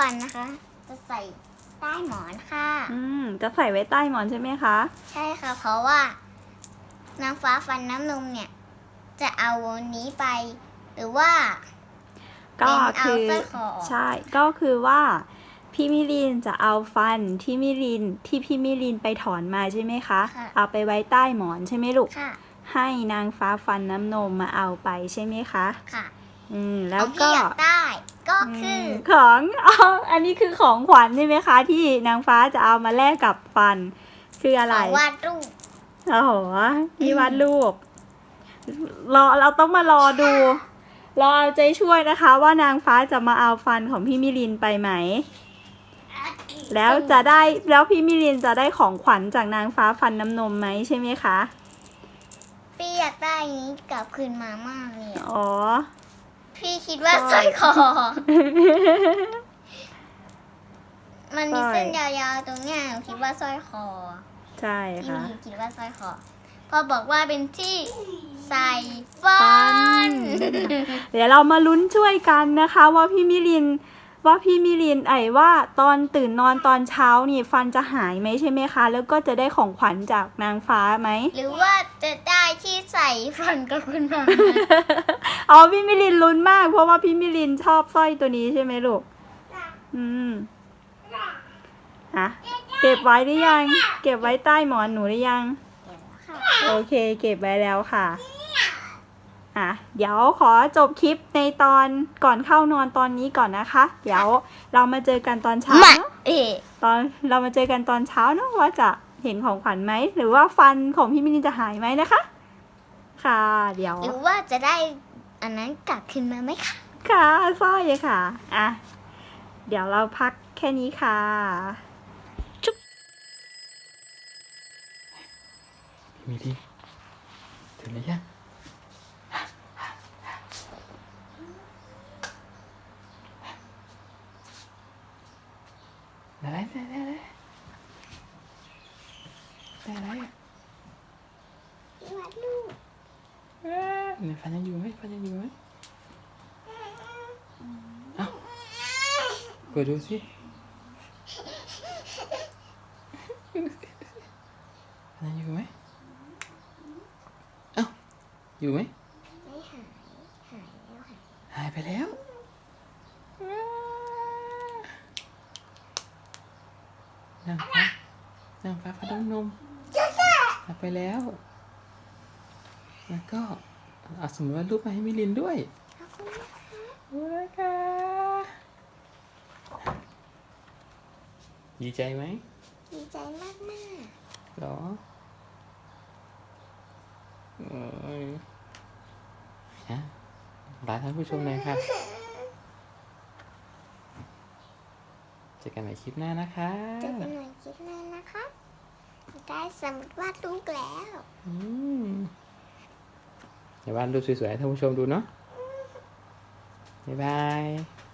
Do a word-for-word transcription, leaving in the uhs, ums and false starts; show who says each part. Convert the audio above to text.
Speaker 1: ฟันนะคะ จะใส่ใต้หมอนค่ะ
Speaker 2: อืมจะใส่ไว้ใต้หมอนใช่ไหมคะ
Speaker 1: ใช่ค่ะ เพราะว่านางฟ้าฟันน้ำนมเนี่ย จะเอาวันนี้ไป หรือว่า
Speaker 2: ก็คือ
Speaker 1: เป็นเอาสร้อยคอออก
Speaker 2: ใช่ก็คือว่าพี่มิลินจะเอาฟันที่มิลินที่พี่มิลินไปถอนมาใช่ไหมคะ
Speaker 1: ค่ะ
Speaker 2: เอาไปไว้ใต้หมอนใช่ไหมลูก
Speaker 1: ค่ะ
Speaker 2: ให้นางฟ้าฟันน้ำนมมาเอาไปใช่ไหมคะ
Speaker 1: ค่ะ
Speaker 2: อืมแล้
Speaker 1: ข
Speaker 2: ว
Speaker 1: องที่
Speaker 2: ก็
Speaker 1: อยากได้ ก็คือ
Speaker 2: มของอ๋ออันนี้คือของขวัญใช่ไหมคะ ที่นางฟ้าจะเอามาแลกกับฟันคืออะ
Speaker 1: ข
Speaker 2: ไร
Speaker 1: องวาดรูป
Speaker 2: โอ้โหนี่วาดรูปรอเราต้องมารอดูรอเอาใจช่วยนะคะ ว่านางฟ้าจะมาเอาฟันของพี่มิลินไปไหม แล้วจะได้แล้วพี่มิลินจะได้ของขวัญจากนางฟ้าฟันน้ำนมไหมใช่ไหมคะ
Speaker 1: พี่อยากได้อันนี้กลับคืนมามากเลยอะ
Speaker 2: อ๋อ
Speaker 1: พี่คิดว่าสร้อยคอ มันมีเส้นยาวๆตรงเนี้ยหนูคิดว่าสร้อยคอ
Speaker 2: ใช่
Speaker 1: พี่
Speaker 2: ค่ะ
Speaker 1: มีคิดว่าสร้อยคอพอบอกว่าเป็นที่ใส่ฟั
Speaker 2: ฟั
Speaker 1: น
Speaker 2: น เดี๋ยวเรามาลุ้นช่วยกันนะคะ ว่าพี่มิลินว่าพี่มิลินไอ้ว่าตอนตื่นนอนตอนเช้านี่ฟันจะหายไหมใช่ไหมคะ แล้วก็จะได้ของขวัญจากนางฟ้าไหม
Speaker 1: หรือว่าจะได้ที่ใส่ฟันกับคุณมา
Speaker 2: อ๋อพี่มิลินลุ้นมาก เพราะว่าพี่มิลินชอบสร้อยตัวนี้ใช่ไหมลูก อืมฮะเก็บไว้หรือยัง เก็บไว้ใต้หมอนหนูหรือยัง โอเค เก็บไว้แล้วค่ะอ่ะ เดี๋ยวขอจบคลิปในตอนก่อนเข้านอนตอนนี้ก่อนนะคะ เดี๋ยวเรามาเจอกันตอนเช้า
Speaker 1: มา
Speaker 2: เนอะ
Speaker 1: เอ๊ะ
Speaker 2: ตอนเรามาเจอกันตอนเช้าเนอะว่าจะเห็นของขวัญไหม หรือว่าฟันของพี่มิลินจะหายไหมนะคะ ค่ะ เดี๋ยว
Speaker 1: หรือว่าจะได้อันนั้นกลับคืนมาไหมคะ
Speaker 2: ค่ะสร้อยค่ะ อ่ะ เดี๋ยวเราพักแค่นี้ค่ะ
Speaker 3: พี่มิลินถึงหรือยังได้ได้ได้ได้ได้อะไรอ่ะ
Speaker 1: วาดรูป
Speaker 3: เอ๊ะเนี่ยฟันยังอยู่ไหมฟันยังอยู่ไหมเอ้าเปิดดูสิฟันยังอยู่ไหมเอ้าอยู่ไหม
Speaker 1: ไม่หาย หายแล้วหาย
Speaker 3: หายไปแล้วนางฟ้านางฟ้าฟันน้ำนมหายไปแล้ว แล้วก็เอาสมมติว่ารูปมาให้มิลินด้วย
Speaker 1: ขอบคุณนะคะ
Speaker 3: ดูนะคะดีใจไหม
Speaker 1: ดีใจมากมาก
Speaker 3: หรอเอ้ยฮะลาท่านผู้ชมหน่อยค่ะเจอกันใหม่คลิปหน้านะคะ
Speaker 1: ๆเจอกันใหม่คลิปหน้านะคะได้สมุดวาดรูปแล้ว
Speaker 3: อืมเดี๋ยววาดรูปสวยๆให้ท่านผู้ชมดูเนาะบ๊ายบาย